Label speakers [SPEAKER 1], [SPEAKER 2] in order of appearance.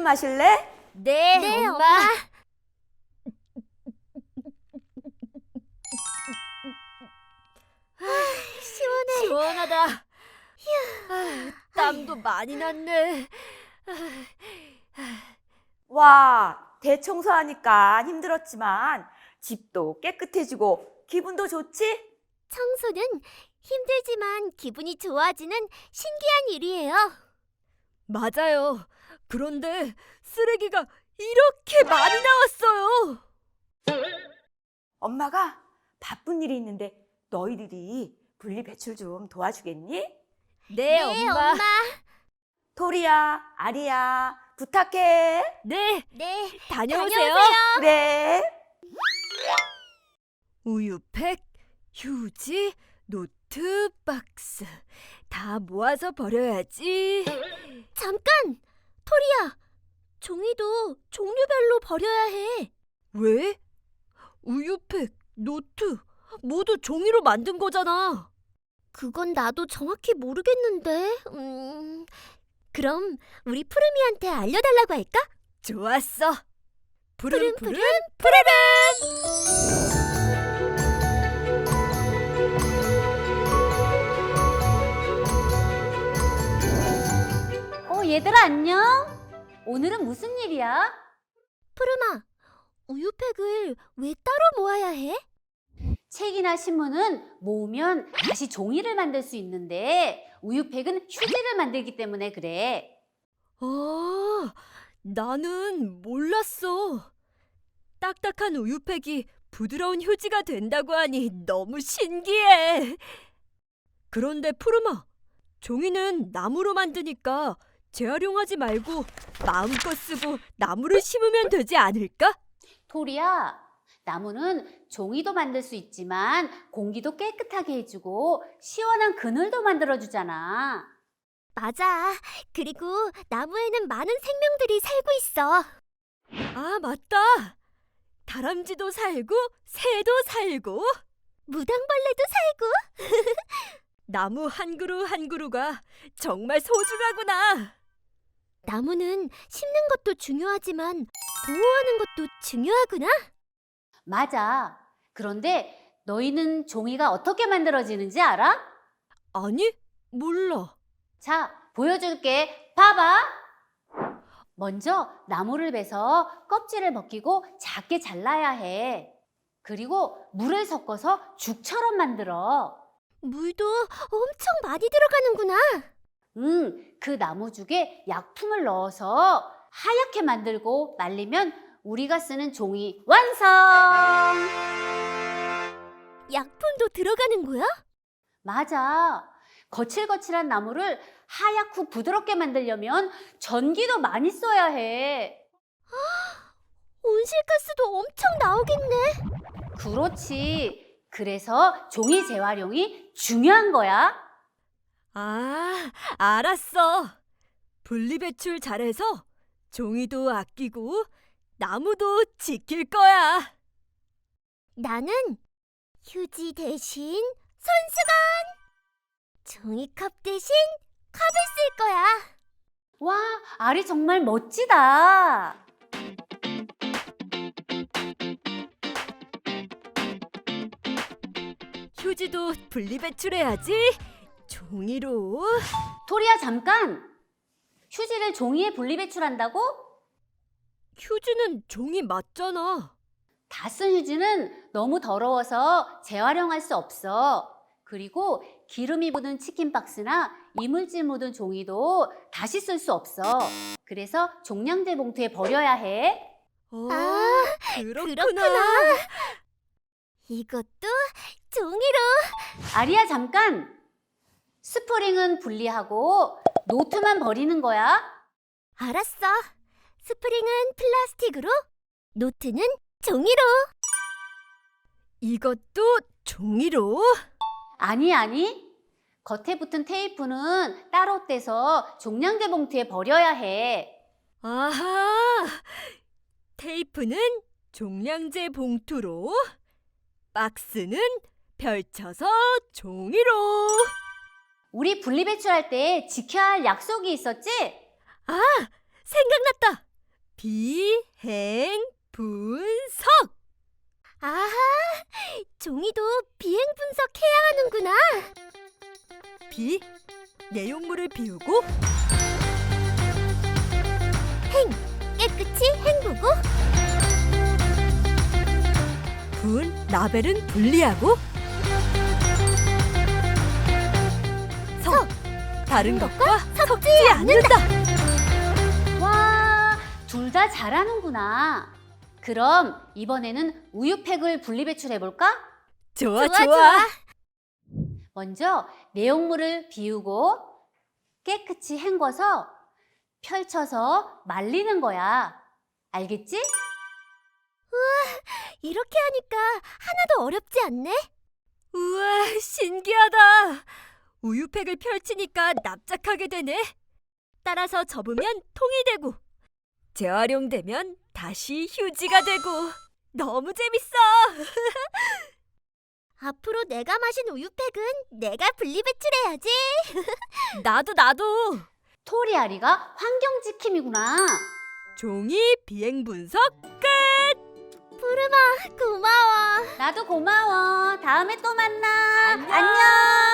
[SPEAKER 1] 좀 마실래?
[SPEAKER 2] 네, 엄마. 시원해. 시원하다. 땀도 많이 났네.
[SPEAKER 1] 와, 대청소하니까 힘들었지만 집도 깨끗해지고 기분도 좋지?
[SPEAKER 2] 청소는 힘들지만 기분이 좋아지는 신기한 일이에요. 맞아요. 그런데 쓰레기가 이렇게 많이 나왔어요.
[SPEAKER 1] 엄마가 바쁜 일이 있는데 너희들이 분리배출 좀 도와주겠니?
[SPEAKER 2] 네, 엄마.
[SPEAKER 1] 토리야, 아리야, 부탁해.
[SPEAKER 2] 네, 다녀오세요.
[SPEAKER 1] 네.
[SPEAKER 2] 우유팩, 휴지, 노트, 박스 다 모아서 버려야지. 잠깐! 토리야, 종이도 종류별로 버려야 해. 왜? 우유팩, 노트 모두 종이로 만든 거잖아. 그건 나도 정확히 모르겠는데. 그럼 우리 푸르미한테 알려달라고 할까? 좋았어. 푸른 푸른 푸르름.
[SPEAKER 3] 얘들아 안녕? 오늘은 무슨 일이야?
[SPEAKER 2] 푸르마, 우유팩을 왜 따로 모아야 해?
[SPEAKER 3] 책이나 신문은 모으면 다시 종이를 만들 수 있는데 우유팩은 휴지를 만들기 때문에 그래.
[SPEAKER 2] 나는 몰랐어. 딱딱한 우유팩이 부드러운 휴지가 된다고 하니 너무 신기해. 그런데 푸르마, 종이는 나무로 만드니까 재활용하지 말고 마음껏 쓰고 나무를 심으면 되지 않을까?
[SPEAKER 3] 토리야, 나무는 종이도 만들 수 있지만 공기도 깨끗하게 해주고 시원한 그늘도 만들어주잖아.
[SPEAKER 2] 맞아. 그리고 나무에는 많은 생명들이 살고 있어. 아, 맞다. 다람쥐도 살고 새도 살고 무당벌레도 살고. 나무 한 그루 한 그루가 정말 소중하구나. 나무는 심는 것도 중요하지만 보호하는 것도 중요하구나.
[SPEAKER 3] 맞아. 그런데 너희는 종이가 어떻게 만들어지는지 알아?
[SPEAKER 2] 아니, 몰라.
[SPEAKER 3] 자, 보여줄게. 봐봐. 먼저 나무를 베서 껍질을 벗기고 작게 잘라야 해. 그리고 물을 섞어서 죽처럼 만들어.
[SPEAKER 2] 물도 엄청 많이 들어가는구나.
[SPEAKER 3] 그 나무죽에 약품을 넣어서 하얗게 만들고 말리면 우리가 쓰는 종이 완성!
[SPEAKER 2] 약품도 들어가는 거야?
[SPEAKER 3] 맞아. 거칠거칠한 나무를 하얗고 부드럽게 만들려면 전기도 많이 써야 해.
[SPEAKER 2] 온실가스도 엄청 나오겠네.
[SPEAKER 3] 그렇지. 그래서 종이 재활용이 중요한 거야.
[SPEAKER 2] 아, 알았어. 분리배출 잘해서 종이도 아끼고 나무도 지킬 거야. 나는 휴지 대신 손수건, 종이컵 대신 컵을 쓸 거야.
[SPEAKER 3] 와, 알이 정말 멋지다.
[SPEAKER 2] 휴지도 분리배출해야지. 종이로.
[SPEAKER 3] 토리야, 잠깐. 휴지를 종이에 분리배출한다고?
[SPEAKER 2] 휴지는 종이 맞잖아.
[SPEAKER 3] 다 쓴 휴지는 너무 더러워서 재활용할 수 없어. 그리고 기름이 묻은 치킨 박스나 이물질 묻은 종이도 다시 쓸 수 없어. 그래서 종량제 봉투에 버려야 해.
[SPEAKER 2] 그렇구나. 이것도 종이로.
[SPEAKER 3] 아리야, 잠깐. 스프링은 분리하고 노트만 버리는 거야.
[SPEAKER 2] 알았어. 스프링은 플라스틱으로, 노트는 종이로. 이것도 종이로?
[SPEAKER 3] 아니. 겉에 붙은 테이프는 따로 떼서 종량제 봉투에 버려야 해.
[SPEAKER 2] 아하! 테이프는 종량제 봉투로, 박스는 펼쳐서 종이로.
[SPEAKER 3] 우리 분리배출할 때 지켜야 할 약속이 있었지?
[SPEAKER 2] 생각났다. 비행 분석.
[SPEAKER 4] 아하, 종이도 비행 분석해야 하는구나.
[SPEAKER 2] 비, 내용물을 비우고.
[SPEAKER 4] 깨끗이 헹구고.
[SPEAKER 2] 분, 라벨은 분리하고. 석, 다른 것과 섞지 않는다.
[SPEAKER 3] 와, 둘 다 잘하는구나. 그럼 이번에는 우유팩을 분리배출해 볼까?
[SPEAKER 2] 좋아,
[SPEAKER 4] 좋아,
[SPEAKER 2] 좋아.
[SPEAKER 4] 좋아.
[SPEAKER 3] 먼저 내용물을 비우고 깨끗이 헹궈서 펼쳐서 말리는 거야. 알겠지?
[SPEAKER 4] 이렇게 하니까 하나도 어렵지 않네.
[SPEAKER 2] 우와, 신기하다. 우유팩을 펼치니까 납작하게 되네. 따라서 접으면 통이 되고, 재활용되면 다시 휴지가 되고. 너무 재밌어.
[SPEAKER 4] 앞으로 내가 마신 우유팩은 내가 분리배출해야지.
[SPEAKER 2] 나도.
[SPEAKER 3] 토리아리가 환경지킴이구나.
[SPEAKER 2] 종이 비행 분석 끝.
[SPEAKER 4] 푸르마, 고마워.
[SPEAKER 3] 나도 고마워. 다음에 또 만나.
[SPEAKER 2] 안녕.
[SPEAKER 3] 안녕.